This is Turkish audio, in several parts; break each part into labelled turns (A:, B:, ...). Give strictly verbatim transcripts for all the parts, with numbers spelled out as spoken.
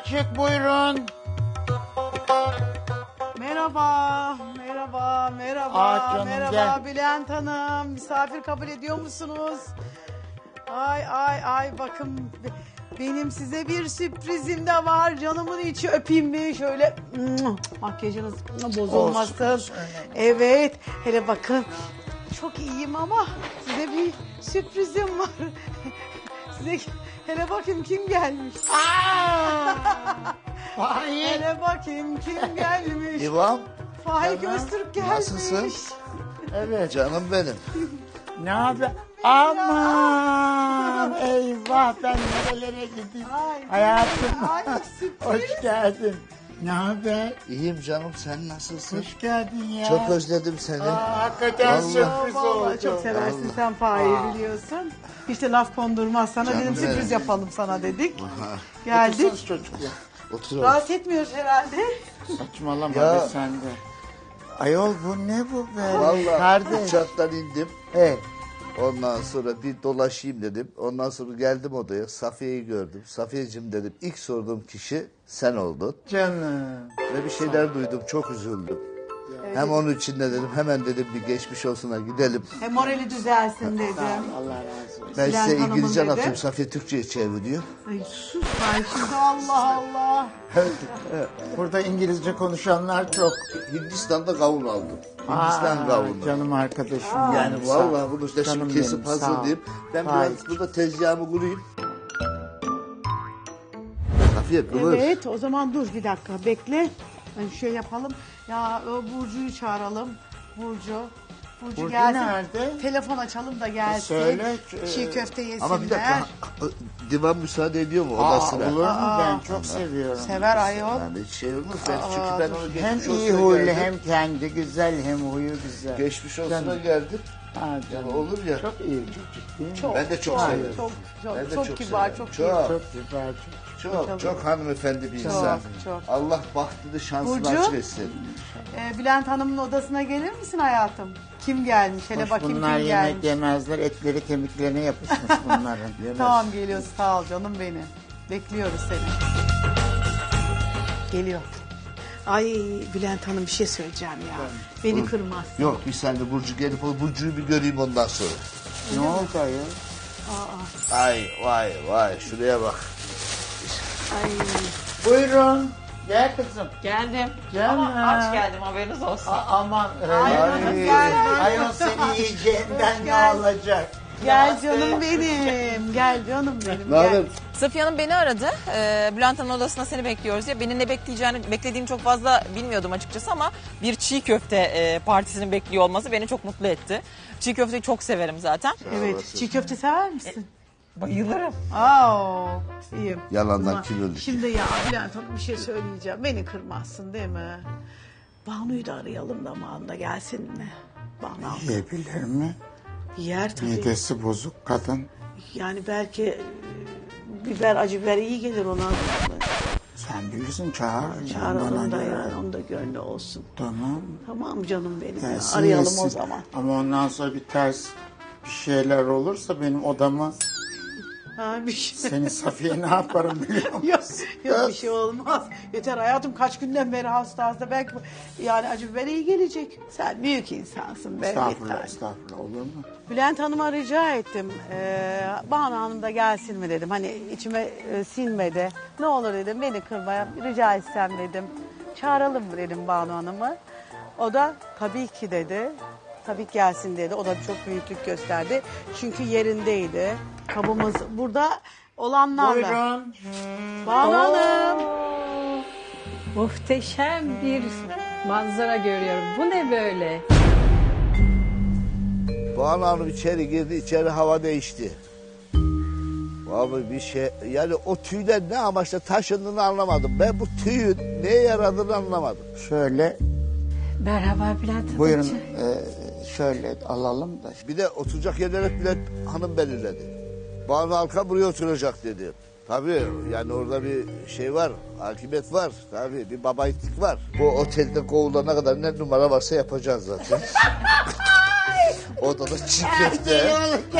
A: açık, buyurun.
B: Merhaba, merhaba, merhaba,
A: Aa, canım,
B: merhaba
A: gel.
B: Bülent Hanım. Misafir kabul ediyor musunuz? Ay ay ay bakın benim size bir sürprizim de var. Canımın içi öpeyim mi? Şöyle makyajınız bozulmasın.
A: Olsun, olsun.
B: Evet, hele bakın çok iyiyim ama size bir sürprizim var. Size hele bakayım kim gelmiş.
A: Aa! Vay.
B: Hele bakayım kim gelmiş.
C: İvan,
B: Faik
A: Canım,
B: Öztürk gelmiş.
C: nasılsın?
A: Evet.
C: Canım benim.
A: Ne haber? Aman eyvah, ben nerelere gideyim?
B: Ay,
A: Hayatım.
B: ay, sürpriz.
A: Hoş geldin. Ne haber?
C: İyiyim canım, sen nasılsın?
A: Hoş geldin ya.
C: Çok özledim seni.
A: Aa, hakikaten
C: Vallahi.
A: sürpriz
B: Vallahi
A: oldu.
B: çok seversin
C: Vallahi.
B: sen Faik'i biliyorsun. İşte laf kondurmaz sana
C: Canım
B: dedim sürpriz
C: benim.
B: yapalım sana dedik.
C: Aha,
B: Geldik.
A: Otursanız çocuklar.
C: otur.
B: Rahatsız etmiyoruz herhalde.
A: Saçmalama
C: Ya.
A: be sen de. Ayol bu ne bu be?
C: Vallahi
A: Kardeş.
C: uçaktan indim.
A: He.
C: Ondan sonra bir dolaşayım dedim. Ondan sonra geldim odaya. Safiye'yi gördüm. Safiyeciğim dedim. İlk sorduğum kişi sen oldun.
A: Canım.
C: Ve bir şeyler duydum. Çok üzüldüm. Hem onun için de dedim. Hemen dedim bir geçmiş olsuna gidelim.
B: He, morali düzelsin dedim.
A: Allah razı olsun.
C: Ben
B: Bülent
C: size
B: Hanım'ın
C: İngilizce
B: dedi.
C: anlatıyorum. Safiye Türkçe'ye çeviriyor.
B: Ay sus Faik şimdi Allah Allah.
A: Burada İngilizce konuşanlar çok.
C: Hindistan'da kavun aldım. Hindistan
A: Aa,
C: kavunu.
A: Canım arkadaşım.
C: Yani
A: Yani
C: vallahi bunu da
A: Canım
C: şimdi kesip
A: benim, sağ ol.
C: hazırlayayım. Ben
A: Hayır.
C: biraz burada tezgahımı kurayım. Safiye kıvır.
B: Evet o zaman dur bir dakika bekle. Yani şey yapalım. Ya o Burcu'yu çağıralım. Burcu. Burcu,
A: Burcu
B: gelsin.
A: nerede?
B: Telefon açalım da gelsin.
A: söyle,
B: Çiğ
A: e,
B: köfte yesinler.
C: Ama bir dakika. Divan müsaade ediyor mu
A: Aa,
C: odasına?
A: olur mu?
B: Aa.
A: Ben çok seviyorum.
B: Sever ayol.
C: Yani hiç şey olmaz. Ben,
B: Aa,
C: çünkü ben onu
A: Hem
C: geçmiş
A: iyi
C: olsuna
A: huylu
C: geldim.
A: hem kendi güzel hem huyu güzel.
C: Geçmiş olsuna
A: Canım.
C: geldim.
A: Ha, canım.
C: Olur ya.
A: Çok iyi çocuk değil mi?
B: Çok,
C: Ben de çok severim.
B: Çok, çok,
C: Ben de
B: çok,
C: çok
B: kibar,
C: severim.
B: çok,
C: Çok.
B: iyi.
A: Çok güzel çok.
C: Çok çok hanımefendi bir
B: Çok,
C: insan.
B: çok.
C: Allah bahtını şansını
B: Burcu?
C: açık etsin.
B: Ee, Bülent Hanım'ın odasına gelir misin hayatım? Kim gelmiş? Hele
A: Hoş,
B: bakayım
A: bunlar
B: kim
A: yemek
B: gelmiş.
A: yemezler. Etleri kemiklerine yapışmış bunların.
C: Yemez.
B: Tamam geliyoruz sağ ol canım benim. Bekliyoruz seni. Geliyor. Ay Bülent Hanım bir şey söyleyeceğim ya. Beni kırmaz.
C: Yok bir saniye Burcu gelip o Burcu'yu bir göreyim ondan sonra.
A: Ne oldu ayol?
C: Ay vay vay şuraya bak.
B: Ay.
A: Buyurun. Gel kızım.
D: Geldim.
A: Canım.
D: Ama aç geldim haberiniz olsun.
A: A- aman.
B: Ay,
A: Ay,
B: gel.
A: ayol seni yiyeceğinden ne
B: Gel.
A: alacak?
B: Gel canım benim. Gel canım benim.
C: Ne haber?
B: Gel.
D: Safiye Hanım beni aradı. Ee, Bülent Hanım'ın odasında seni bekliyoruz diye. Beni ne bekleyeceğini, beklediğini çok fazla bilmiyordum açıkçası ama bir çiğ köfte e, partisinin bekliyor olması beni çok mutlu etti. Çiğ köfteyi çok severim zaten.
B: Evet. Çiğ köfte sever misin?
D: Bayılırım.
B: Aa, iyiyim.
C: Yalandan
B: Ama
C: kim öldü?
B: Şimdi ya Bülent Hanım bir şey söyleyeceğim. Beni kırmazsın değil mi? Banu'yu da arayalım da Banu da gelsin mi? Banu
A: Yiyebilir mi?
B: yer tabii.
A: Midesi bozuk kadın.
B: Yani belki e, biber, acı biber iyi gelir ona.
A: Sen bilirsin çağır.
B: Çağıralım da
A: Bana
B: yani
A: göre.
B: onun da gönlü olsun.
A: Tamam.
B: Tamam canım benim ya.
A: Gelsin,
B: Arayalım
A: yesin.
B: o zaman.
A: Ama ondan sonra bir ters bir şeyler olursa benim odamı
B: Ha, bir şey.
A: seni Safiye ne yaparım biliyor musun?
B: Yok, yok bir şey olmaz. Yeter hayatım kaç günden beri hasta hasta. Belki yani acı biber iyi gelecek. Sen büyük insansın be.
A: Estağfurullah,
B: yeter.
A: estağfurullah olur mu?
B: Bülent Hanım'a rica ettim. Ee, Banu Hanım da gelsin mi dedim. Hani içime e, sinmedi. Ne olur dedim beni kırmaya rica etsem dedim. Çağıralım mı dedim Banu Hanım'ı. O da tabii ki dedi. Tabii ki gelsin dedi. O da çok büyüklük gösterdi. Çünkü yerindeydi. Kabımız burada olanlarla.
A: Buyurun.
B: Banu Hanım.
E: Muhteşem bir manzara görüyorum. Bu ne böyle?
C: Banu Hanım içeri girdi, içeri hava değişti. Vallahi bir şey, yani o tüyler ne amaçla taşındığını anlamadım. Ben bu tüyün neye yaradığını anlamadım.
A: Şöyle
E: Merhaba Bülent Hanım.
A: buyurun e, şöyle alalım da.
C: Bir de oturacak yerleri Bülent Hanım belirledi. Banu Halka buraya oturacak dedi. Tabii yani orada bir şey var, hakimiyet var. Tabii bir babayitik var. Bu otelde kovulana kadar ne numara varsa yapacağız zaten. Orada da çiğ köfte.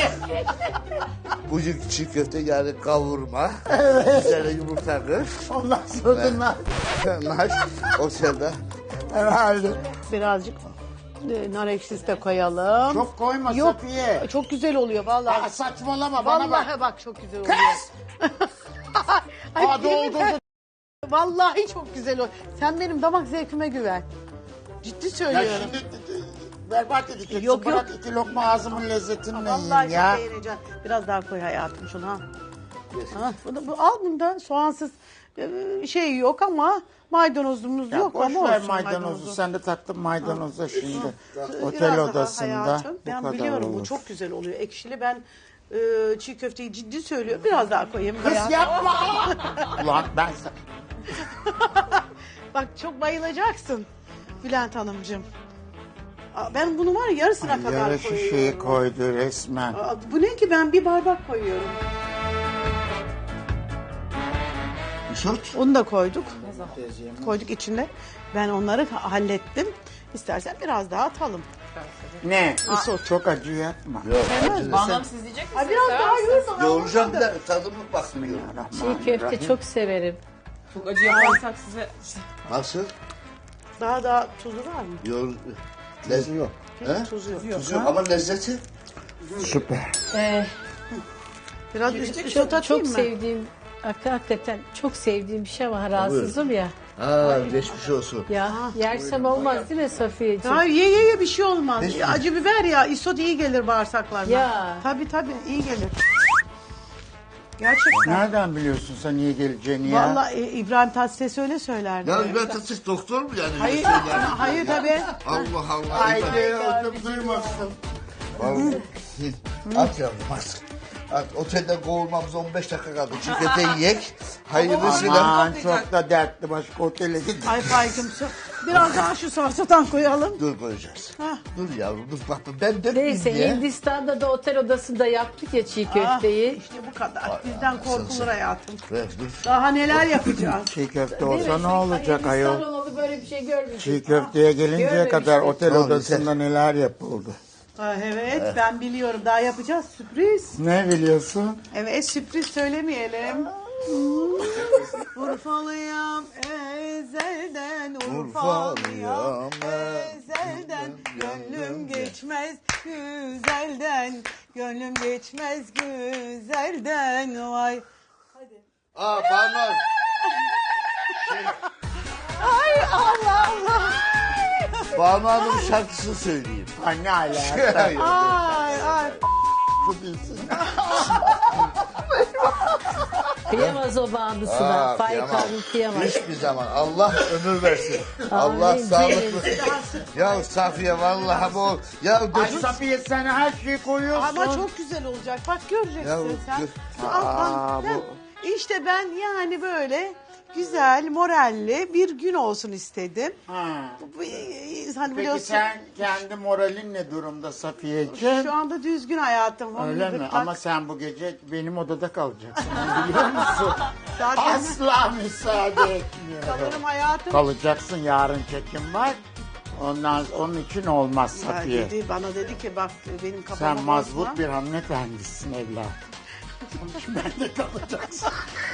C: Bugün çiğ köfte yani kavurma. Üzerine yumurta kır.
A: Ondan sonra nar.
C: Naş otelde.
A: Herhalde.
B: Birazcık e, nar ekşisi de koyalım.
A: Çok koyma
B: Yok,
A: Safiye.
B: çok güzel oluyor vallahi.
A: Aa, saçmalama bana bak.
B: Vallahi bak çok güzel oluyor.
A: Kız!
B: Ay,
A: Aa,
B: yemin-
A: doldurdu.
B: Vallahi çok güzel oluyor. Sen benim damak zevkime güven. Ciddi
A: Ya
B: söylüyorum.
A: şimdi berbat edeceksin.
B: Yok, yok.
A: Bırak iki lokma ağzımın lezzetini
B: Vallahi
A: yiyeyim ya.
B: çok beğeneceğim. Biraz daha koy hayatım şunu ha. Ha, bunu, bu, al bunda soğansız e, şey yok ama maydanozumuz
A: Ya
B: yok
A: boş
B: ama
A: ver
B: olsun
A: maydanozu.
B: maydanozu.
A: Sen de taktın maydanoza şimdi.
B: Biraz
A: Otel
B: daha
A: odasında
B: hayatım.
A: bu
B: Ben
A: kadar
B: biliyorum
A: olur.
B: bu çok güzel oluyor. Ekşili ben e, çiğ köfteyi ciddi söylüyorum. Biraz daha koyayım.
A: Kız
B: hayatım.
A: yapma. Ulan ben sen...
B: Bak çok bayılacaksın Bülent Hanımcığım. Aa, ben bunu var ya yarısına kadar
A: Yarı
B: koyuyorum.
A: şişeyi koydu resmen.
B: Aa, bu ne ki ben bir bardak koyuyorum.
C: Isırt.
B: Onu da koyduk. Koyduk içine. Ben onları ha- hallettim. İstersen biraz daha atalım.
A: Ne?
B: Isot.
A: Çok acı yapma.
C: Yok.
B: Sevmez
D: Banu Hanım siz diyecek misiniz?
B: Ay biraz
D: Sever
B: daha
D: misiniz?
B: yoğursan
C: Yoğuracağım
B: olmadı.
C: da tadımı bakmıyor.
E: Çiğ köfte çok severim.
D: Çok acı yaparsak size...
C: Nasıl?
B: Daha daha tuzu var mı?
C: Yoğur... Lezzeti yok. He?
B: Tuzu yok.
C: Tuzu yok ama lezzeti.
A: Süper.
E: Ee,
B: Biraz üst, üst
E: çok
B: atayım
E: çok
B: mı?
E: sevdiğim, hakikaten çok sevdiğim bir şey var. Rahatsızım ya.
C: Ha geçmiş olsun.
E: Ya yersem olmaz değil mi Safiyeciğim?
B: Hayır ye ye ye bir şey olmaz.
C: Hiç mi?
B: Acı biber ya isot iyi gelir bağırsaklarına.
E: Ya.
B: Tabii tabii iyi gelir. Gerçekten.
A: Nereden biliyorsun sen iyi geleceğini ya?
B: Vallahi e, İbrahim Tatlıses öyle söylerdi.
C: Ya İbrahim Tatlıses doktor mu yani?
B: Hayır,
C: Öyle söyler.
B: hayır tabii.
C: Allah Allah.
A: Haydi
C: İbrahim.
A: ödüm duymasın.
C: Vallahi. At yavrum at. At. Otelden kovulmamız on beş dakika kaldı. Çiğ köfte yiyek. Hayırlısıyla.
A: Aman çok da dertli başka otele git.
B: Ay Faik'im su. Biraz daha şu salçadan koyalım.
C: Dur koyacağız.
B: Hah.
C: Dur yavrum dur bak ben dökmeyeyim
E: Neyse
C: diye.
E: Hindistan'da da otel odasında yaptık ya çiğ
B: Ah,
E: köfteyi.
B: işte bu kadar. Bizden korkulur hayatım.
C: Ver dur.
B: Daha neler yapacağız.
A: Çiğ köfte olsa ne olacak ayol?
E: Hindistan olalı böyle bir şey görmüştüm.
A: Çiğ köfteye gelinceye
E: Görmemiştim.
A: kadar otel
C: Tamam,
A: odasında neler yapıldı.
B: Ha, evet ben biliyorum. Daha yapacağız sürpriz.
A: Ne biliyorsun?
B: Evet sürpriz söylemeyelim. Urfalıyam ezelden Urfalıyam ezelden Gönlüm geçmez güzelden Gönlüm geçmez güzelden Vay.
C: Aa Banu.
B: Ay Allah Allah.
C: Banu Hanım şarkısını söyleyeyim.
A: Ha, ne alaka?
B: Ay ay.
A: Bu bilsin.
E: Kıyamaz o bağımlısına.
C: Aa,
E: Faik
C: kıyamam.
E: abim kıyamaz.
C: Hiçbir zaman. Allah ömür versin. Allah
E: Amin.
C: sağlıklı. Ya Safiye vallahi bu. Ya
A: Ay
C: gözüm.
A: Safiye sen her şeyi koyuyorsun.
B: Ama çok güzel olacak. Bak göreceksin
C: Ya,
B: sen.
C: gör-
B: Şu alttan-
A: Aa,
B: ben-
A: bu-
B: İşte ben yani böyle güzel, moralli bir gün olsun istedim.
A: Ha.
B: Bu- bu- Hani
A: Peki
B: biliyorsun
A: sen kendi moralin ne durumda Safiyeciğim?
B: şu anda düzgün hayatım.
A: Öyle mi?
B: Gırtlak.
A: Ama sen bu gece benim odada kalacaksın. Onu biliyor musun?
B: Zaten
A: Asla müsaade etmiyorum.
B: kalırım hayatım.
A: Kalacaksın, yarın çekim var. Ondan onun için olmaz
B: Ya
A: Safiye.
B: dedi, bana dedi ki bak benim kafama
A: Sen mazbut
B: bozma.
A: bir hanımefendisin evladım. Onun için ben de kalacaksın.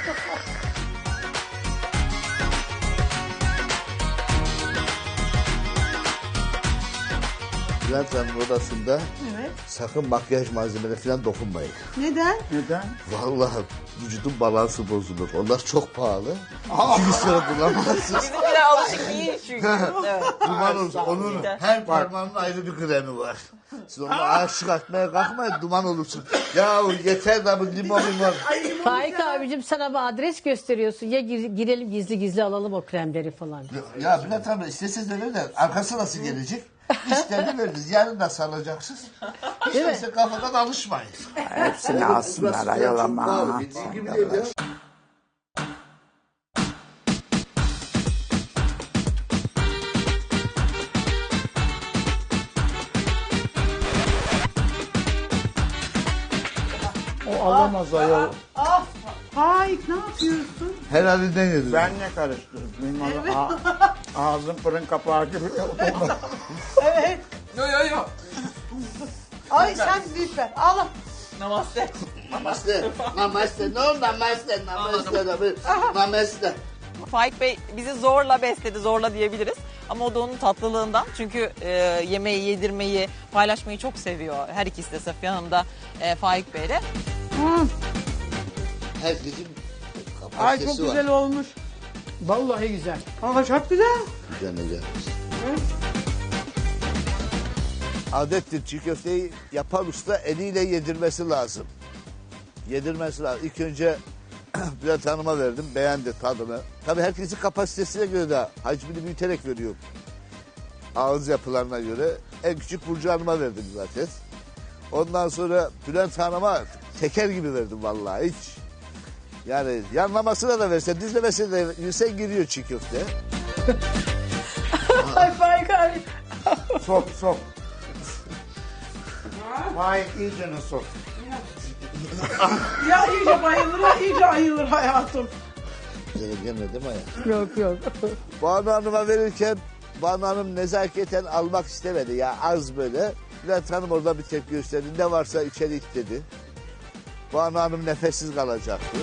C: Bülent Hanım odasında
B: Evet.
C: sakın makyaj malzemeleri falan dokunmayın.
B: Neden?
A: Neden?
C: Vallahi vücudun balansı bozulur. Onlar çok pahalı. İki sonra bulamazsınız.
D: Bizimkiler alışık değil çünkü. Evet.
C: Duman olsun. Onun her parmağının ayrı bir kremi var. Siz onu aşık atmaya kalkmayın duman olursun. Ya yeter da bu limon limon.
E: Faik abicim sana bir adres gösteriyorsun. Ya gir- girelim gizli gizli alalım o kremleri falan.
C: Ya Bülent abi isteseniz öyle de arkası nasıl gelecek? İşlerini veririz. Yarın da salacaksınız. Hiç değilse kafadan alışmayın.
A: Hepsini alsınlar ayol ama.
C: Bildiğin gibi değil ya.
A: O alamaz ayol.
B: Ah Faik ne yapıyorsun?
C: Her halinden yedim.
A: Ben ne karıştırdım? Benim ağ- ağzım fırın kapağı gibi.
B: Evet.
D: Yo yo yo.
B: Ay sen lütfen. Allah.
D: Namaste.
C: Namaste. Namaste. No namaste. Namaste. Namaste.
D: Faik Bey bizi zorla besledi, zorla diyebiliriz. Ama o da onun tatlılığından. Çünkü e, yemeği, yedirmeyi, paylaşmayı çok seviyor. Her ikisi de Safiye Hanım da e, Faik Bey'le.
C: Herkesin
B: Ay çok
C: kapasitesi var.
B: güzel olmuş.
E: Vallahi güzel.
B: Ama çok güzel.
C: Güzel güzel. Adettir çiğ köfteyi yapan usta eliyle yedirmesi lazım. Yedirmesi lazım. İlk önce Bülent Hanım'a verdim. Beğendi tadını. Tabii herkesin kapasitesine göre de hacmini büyüterek veriyor. Ağız yapılarına göre. En küçük Burcu Hanım'a verdim zaten. Ondan sonra Bülent Hanım'a teker gibi verdim vallahi hiç. Yani yanlamasına da versen, düzlemesine de versen giriyor çiğ köfte.
B: Ay Faik abi.
A: Sok sok. Vay iyicene sok.
B: Ya iyice bayılır, ya iyice ayılır hayatım.
C: Güzel gelmedi mi ya?
E: Yok yok.
C: Banu Hanım'a verirken Banu Hanım nezaketen almak istemedi ya az böyle. Bülent Hanım orada bir tepki gösterdi. Ne varsa içeri it dedi. Banu Hanım nefessiz kalacaktı.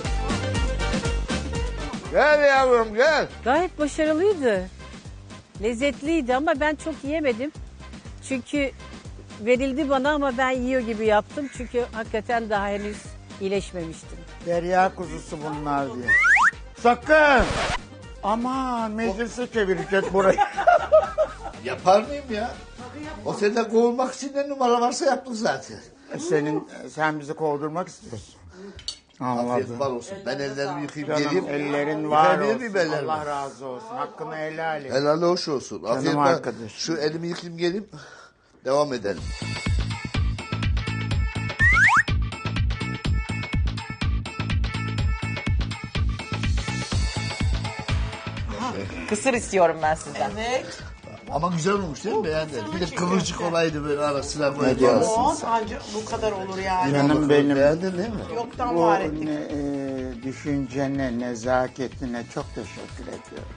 C: Gel yavrum gel.
E: Gayet başarılıydı. Lezzetliydi ama ben çok yiyemedim. Çünkü verildi bana ama ben yiyor gibi yaptım. Çünkü hakikaten daha henüz iyileşmemiştim.
A: Derya kuzusu bunlar diye. Sakın. Aman meclise çevirecek burayı.
C: Yapar mıyım ya? O senden kovulmak için ne numara varsa yaptık zaten.
A: Senin sen bizi kovdurmak istiyorsun.
C: Afiyet
A: Anladım.
C: bal olsun. Ben ellerimi yıkayıp
A: Canım
C: geleyim.
A: ellerin var
C: Yıkayabilir
A: olsun.
C: miyim ellerimi?
A: Allah razı olsun. Hakkını helal et.
C: Helal hoş olsun. Afiyet bal.
A: arkadaş.
C: Şu elimi yıkayayım geleyim. Devam edelim.
D: Kısır istiyorum ben sizden.
B: Evet.
C: Ama güzel olmuş değil mi? Beğendin. Bir de kıvırcık olaydı böyle arasına böyle.
A: diyorsun?
B: O ancak bu kadar olur yani.
A: Canım benim.
C: Beğendin değil mi?
B: Yoktan
A: Bu
B: var ettik.
A: ne, e, düşüncene, nezaketine çok teşekkür ediyorum.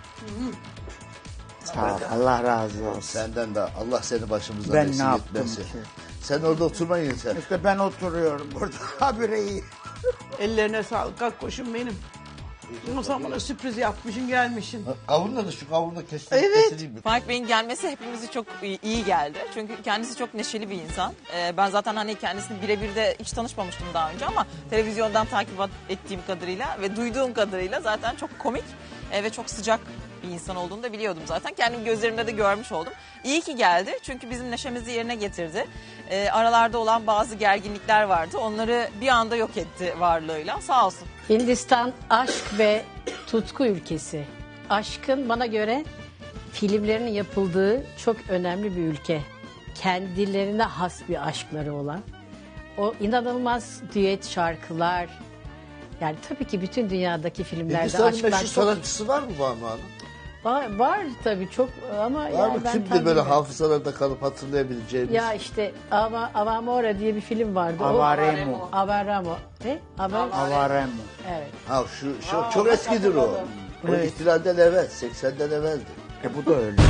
A: Sağ ol. Allah razı olsun.
C: Senden de Allah seni başımızdan
A: Ben ne
C: eksik
A: yaptım
C: etmesin.
A: ki?
C: Sen orada oturma yeter.
A: İşte ben oturuyorum burada. Habire iyi.
B: Ellerine sağlık. Kalk koşun benim. Ama sen bana sürpriz yapmışsın gelmişsin.
C: Kavunla da şu kavunla kestim.
B: Evet.
C: kesileyim mi?
D: Faik Bey'in gelmesi hepimizi çok iyi iyi geldi. Çünkü kendisi çok neşeli bir insan. Ee, ben zaten hani kendisini birebir de hiç tanışmamıştım daha önce ama televizyondan takip ettiğim kadarıyla ve duyduğum kadarıyla zaten çok komik e, ve çok sıcak bir insan olduğunu da biliyordum zaten. Kendim gözlerimde de görmüş oldum. İyi ki geldi çünkü bizim neşemizi yerine getirdi. Ee, aralarda olan bazı gerginlikler vardı. Onları bir anda yok etti varlığıyla. Sağ olsun.
E: Hindistan aşk ve tutku ülkesi. Aşkın bana göre filmlerinin yapıldığı çok önemli bir ülke. Kendilerine has bir aşkları olan. O inanılmaz düet şarkılar. Yani tabii ki bütün dünyadaki filmlerde
C: Hindistan'ın
E: aşklar
C: meşhur
E: çok
C: sanatçısı var mı Banu Hanım?
E: var, var tabii çok ama
C: Var
E: yani
C: mı?
E: ben
C: Kimdi
E: tam
C: böyle
E: bilmiyorum.
C: hafızalarda kalıp hatırlayabileceğimiz?
E: Ya işte Ava, Avamora diye bir film vardı. O-
A: Avaremo.
E: Avaramo. Ne? Avar.
A: Avaremo.
E: Evet.
C: Ha şu, şu çok eskidir o. O
A: Evet.
C: ihtilalden evvel, seksenden evveldi.
A: E bu da öyle.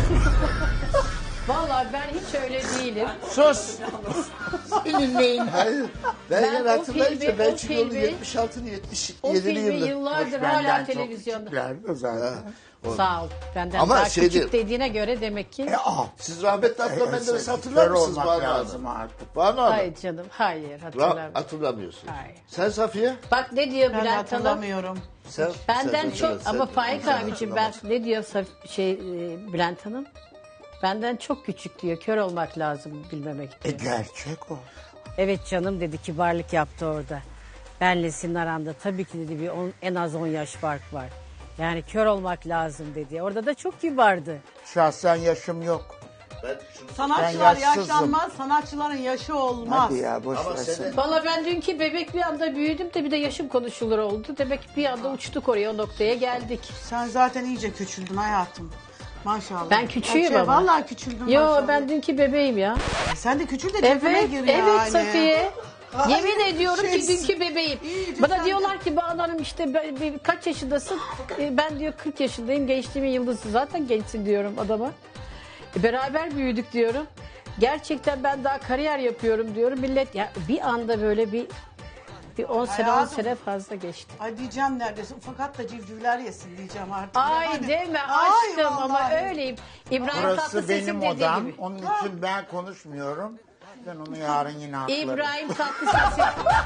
E: Vallahi ben hiç öyle değilim.
A: Sus. Senin neyin?
C: Hayır. Ben,
E: Ben
C: yani
E: o
C: hatırlayınca
E: filmi-
C: ben
E: o
C: çünkü onu
E: filmi-
C: yetmiş altı yetmiş
E: O
C: yedili
E: filmi
C: yılda.
E: yıllardır
A: Benden
E: hala
A: çok
E: televizyonda.
A: küçüklerdi zaten.
E: Sağ ol. Benden
C: Ama
E: daha
C: şey
E: küçük
C: değil.
E: dediğine göre demek ki.
A: E, ah.
C: Siz rahmetli Atla
A: E,
C: Menderes'i
A: kör
C: hatırlar mısınız
A: olmak
C: Banu
A: lazım
C: Hanım?
A: artık.
C: Banu Hanım.
E: Hayır canım. Hayır
C: Ra-
E: hatırlamıyorum.
C: hatırlamıyorsun.
E: Hayır.
C: Sen Safiye?
E: Bak ne diyor
B: Ben de
E: Bülent Hanım?
B: hatırlamıyorum.
C: Sen,
E: Benden
C: sen-
E: çok
C: sen-
E: ama
C: sen-
E: Faik
C: sen
E: abicim ben
C: hatırlamazsın.
E: ne diyor Saf- şey e, Bülent Hanım? Benden çok küçük diyor. Kör olmak lazım bilmemek
A: E
E: diyor.
A: gerçek o.
E: Evet canım dedi, kibarlık yaptı orada. Benle senin aranda tabii ki dedi bir on, en az on yaş fark var. Yani kör olmak lazım dedi. Orada da çok kibardı.
A: Şahsen yaşım yok.
C: Ben şunu-
B: Sanatçılar
A: Ben yaşsızım.
B: yaşlanmaz, sanatçıların yaşı olmaz.
A: Hadi ya boş
C: Ama
A: ver
C: seni-
A: sen.
E: Valla ben dünkü bebek bir anda büyüdüm de bir de yaşım konuşulur oldu. Demek ki bir anda uçtuk oraya, o noktaya geldik.
B: Sen zaten iyice küçüldün hayatım. Maşallah.
E: Ben küçüğüm
B: Şey,
E: ama.
B: Vallahi küçüldün
E: Yo
B: maşallah.
E: ben dünkü bebeğim ya.
B: Sen de küçül de cebime
E: Evet,
B: gir
E: evet
B: yani.
E: Safiye.
B: Ay,
E: Yemin ediyorum ki
B: şeysin.
E: dünkü bebeğim.
B: İyice
E: Bana
B: sen
E: diyorlar ki Banu Hanım işte ben- bir- kaç yaşındasın? E, Ben diyor kırk yaşındayım, gençliğimin yıldızı. Zaten gençsin diyorum adama. E, beraber büyüdük diyorum. Gerçekten ben daha kariyer yapıyorum diyorum. Millet ya bir anda böyle bir bir on sene on
B: Hayatım.
E: sene fazla geçti.
B: Ay diyeceğim neredeyse fakat da civcivler yesin diyeceğim artık.
E: Ay
B: Yani-
E: deme
B: Ay
E: aşkım ama
B: vallahi.
E: öyleyim. İbrahim
A: Burası
E: Tatlıses'in
A: benim
E: dediği
A: odam.
E: gibi.
A: Onun için ben konuşmuyorum. Ben onu yarın yine haklarım.
E: İbrahim Tatlıses'in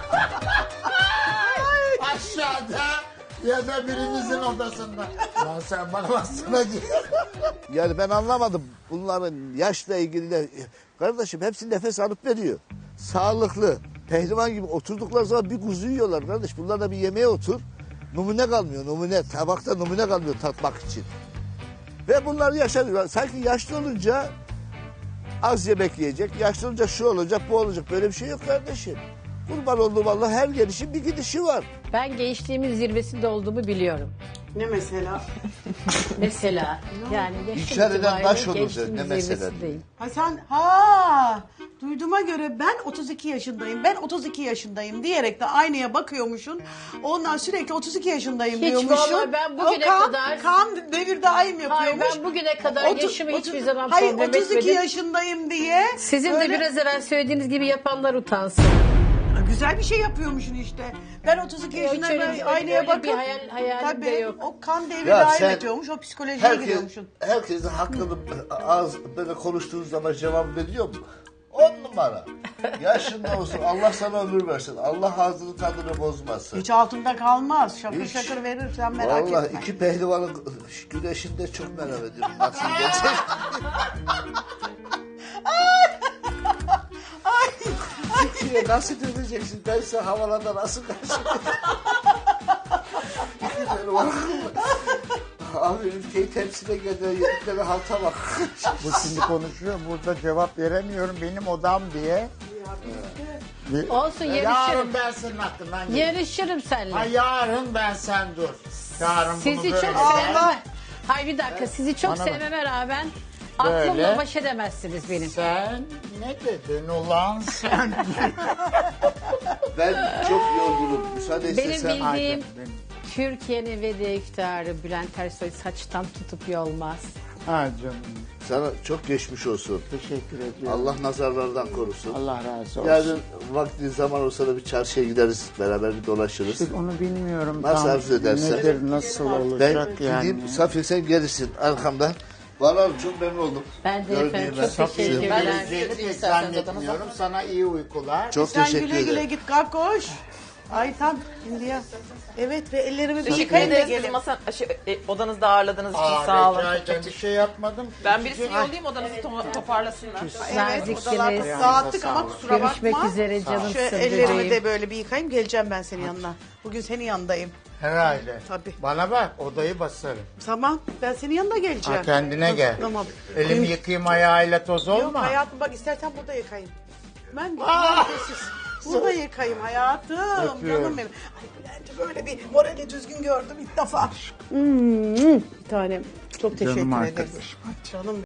A: Aşağıda ya da birinizin odasında. Lan sen bana baksana ki.
C: Yani ben anlamadım bunların yaşla ilgili de. Kardeşim hepsi nefes alıp veriyor. Sağlıklı. Pehlivan gibi oturdukları zaman bir kuzu yiyorlar kardeş. Bunlar da bir yemeğe otur. Numune kalmıyor numune. Tabakta numune kalmıyor tatmak için. Ve bunlar yaşanıyor. Sanki yaşlı olunca az yemek yiyecek. Yaşlı olunca şu olacak bu olacak. Böyle bir şey yok kardeşim. Kurban olduğum Allah her gelişin bir gidişi var.
E: ben gençliğimin zirvesinde olduğumu biliyorum.
B: Ne mesela?
E: Mesela yani yaşım
C: İnkar eden
E: itibariyle
C: baş olur
E: gençliğimin
C: ne mesela?
E: zirvesindeyim.
B: Ha sen ha duyduğuma göre ben otuz iki yaşındayım. Ben otuz iki yaşındayım diyerek de aynaya bakıyormuşsun. Ondan sürekli otuz iki yaşındayım
E: Hiç
B: diyormuşsun.
E: vallahi ben bugüne
B: O kan,
E: kadar-
B: kan devir daim yapıyormuş.
E: Hayır, ben bugüne kadar
B: Otu-
E: yaşımı
B: otu-
E: hiçbir zaman
B: Hayır
E: problem
B: otuz iki
E: etmedim.
B: yaşındayım diye.
E: Sizin
B: böyle-
E: de biraz evvel söylediğiniz gibi yapanlar utansın.
B: Güzel bir şey yapıyormuşsun işte. Ben otuz iki
E: Yok,
B: yaşındayım
E: öyle-
B: ben aynaya
E: öyle
B: bakıp.
E: bir hayal- hayalim de
B: tabii,
E: yok.
B: o kan devri
C: Ya
B: daim
C: sen-
B: ediyormuş. O psikolojiye
C: Herkes,
B: giriyormuşsun.
C: herkesin hakkını ağız böyle konuştuğunuz zaman cevap veriyor mu? On numara. Yaşında olsun Allah sana ömür versin. Allah ağzını tadını bozmasın.
B: Hiç altında kalmaz. Şakır
C: Hiç.
B: şakır verirsen merak
C: Vallahi
B: etme.
C: iki pehlivanın güneşinde çok merak ediyorum. Nasıl gelecek? Türkiye nasıl döneceksin? Ben size havalarda nasıl karşılayacağım? İki pehlivan. Abi ülkeyi temsile gelen yeritlere halta bak.
A: Bu şimdi konuşuyor. Burada cevap veremiyorum. Benim odam diye. Bir-
E: Olsun,
A: Yarın
E: yarışırım.
A: ben senin hakkından gelirim.
E: Yarışırım
A: Ha
E: seninle.
A: yarın ben sen dur. Yarın bunu
E: Sizi
A: böyle.
E: çok
A: Ben-
E: sevmem. Hayır bir dakika sizi çok
A: Bana bak.
E: sevmeme rağmen
A: Böyle.
E: aklımla baş edemezsiniz benim.
A: Sen ne dedin ulan sen?
C: Ben çok yorgunum. Müsaade
E: Benim
C: istesen.
E: bildiğim
A: Benim-
E: Türkiye'nin ve de iftiharı Bülent Ersoy saçtan tutup yolmaz.
A: Ha canım.
C: Sana çok geçmiş olsun.
A: Teşekkür ediyorum.
C: Allah nazarlardan korusun.
A: Allah razı olsun.
C: Yarın vakti zaman olsa da bir çarşıya gideriz. Beraber bir dolaşırız.
A: İşte onu bilmiyorum.
C: Nasıl
A: tam
C: arzu edersen.
A: Nedir, nasıl
C: Ben
A: olacak yani.
C: gideyim, Safiye sen gelirsin arkamdan. Vallahi çok memnun oldum.
E: Ben de
C: Gördüğüme.
E: efendim çok
A: Safiye,
E: teşekkürler.
A: geleceğini pek zannetmiyorum. Sana iyi uykular.
C: Çok
B: Sen
C: teşekkür
B: güle güle
C: ederim.
B: git kalk koş. Ay tam şimdi ya. Evet ve ellerimi bir
D: Teşekkür
B: yıkayın da
D: ederiz. Bizi
B: gelin.
D: masa, şey, e, odanızda ağırladığınız için
A: Aa,
D: sağ olun.
A: rica ederim. Bir şey yapmadım.
D: Ben birisini yollayayım odanızı to- toparlasınlar.
B: Evet
E: Naziksiniz.
B: odalar dağıttık ama kusura bakma.
E: Görüşmek üzere canım
B: Şu
E: sıvı
B: ellerimi
E: bebeğim.
B: de böyle bir yıkayayım geleceğim ben senin yanına. Bugün senin yanındayım.
A: Herhalde.
B: Tabii.
A: Bana bak odayı basarım.
B: Tamam ben senin yanına geleceğim.
A: Ha, kendine gel.
B: Tamam.
A: Elimi yıkayayım ayağıyla toz
B: Yok
A: olma.
B: hayatım bak istersen burada yıkayayım. Ben sessiz. Burada yıkayayım hayatım.
A: Öpüyorum.
B: Canım benim. Ay Bülent'i böyle bir morali düzgün gördüm ilk defa. Hmm, bir tanem. Çok teşekkür
A: Canım
B: ederim.
A: arkadaşım.
B: Canım